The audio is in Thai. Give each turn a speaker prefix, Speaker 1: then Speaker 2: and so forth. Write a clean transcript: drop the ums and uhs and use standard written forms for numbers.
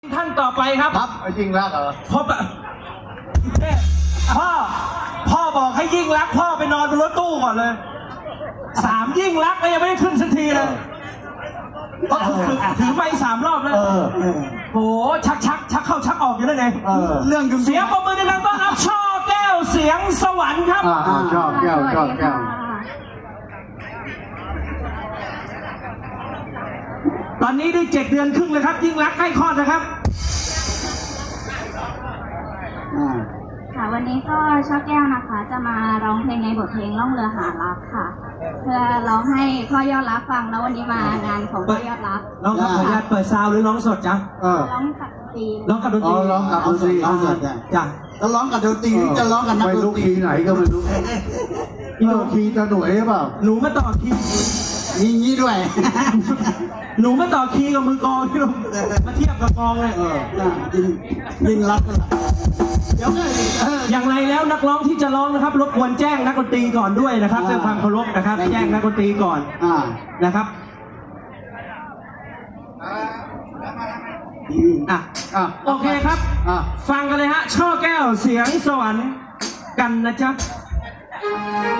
Speaker 1: ท่านต่อไปครับ
Speaker 2: ครับยิ่งรักเหรอ
Speaker 1: พ่อบอกให้ยิ่งรักพ่อไปนอนบนรถตู้ก่อนเลย3ยิ่งรักก็ยังไม่ได้ขึ้นสักทีเลยถือไป3 รอบแล้วโหชักเข้าชักออกอยู่นั่นเองเรื่องเสียงปรบมือดังๆต้อนรับช่อแก้วเสียงสวรรค์ครับ
Speaker 2: ชอบแก้ว
Speaker 1: ตอนนี้ได้7 เดือนครึ่งเลยครับยิ่งรักใกล้คลอดนะครับ
Speaker 3: ค่ะวันนี้ก็ช่อแก้วนะคะจะมาร้องเพลงในบทเพลงล่องเรือหารักค่ะเพื่อร้องให้พ่อยอดรักฟังแล้ววันนี้มางานของพ่อยอดรัก
Speaker 1: น้องครับขออนุญาตเปิดซาวหรือร้องสดจ๊ะ
Speaker 3: ร้องกับดนตรี
Speaker 1: ร้องกับดนตรี
Speaker 2: ร้องกับดนตรี
Speaker 1: จ้ะ
Speaker 2: จะร้องกับดนตรีจะร้องกับนักดนตรีไหนก็ไม่รู้คีย์จะหน่วยหรือเปล่า
Speaker 1: หนูมาต่อคีย์
Speaker 2: มีงี้ด้วย
Speaker 1: หนูมาต่อคีย์กับมือกองที่เรามาเทียบกับกองเลย
Speaker 2: ยิ่งรักกันเดี๋ยว
Speaker 1: อย่างไรแล้วนักร้องที่จะร้องนะครับรบกวนแจ้งนักดนตรีก่อนด้วยนะครับด้วยความเคารพนะครับแจ้งนักดนตรีก่อนนะครับโอเคครับฟังกันเลยฮะช่อแก้วเสียงสวรรค์กันนะจ๊ะ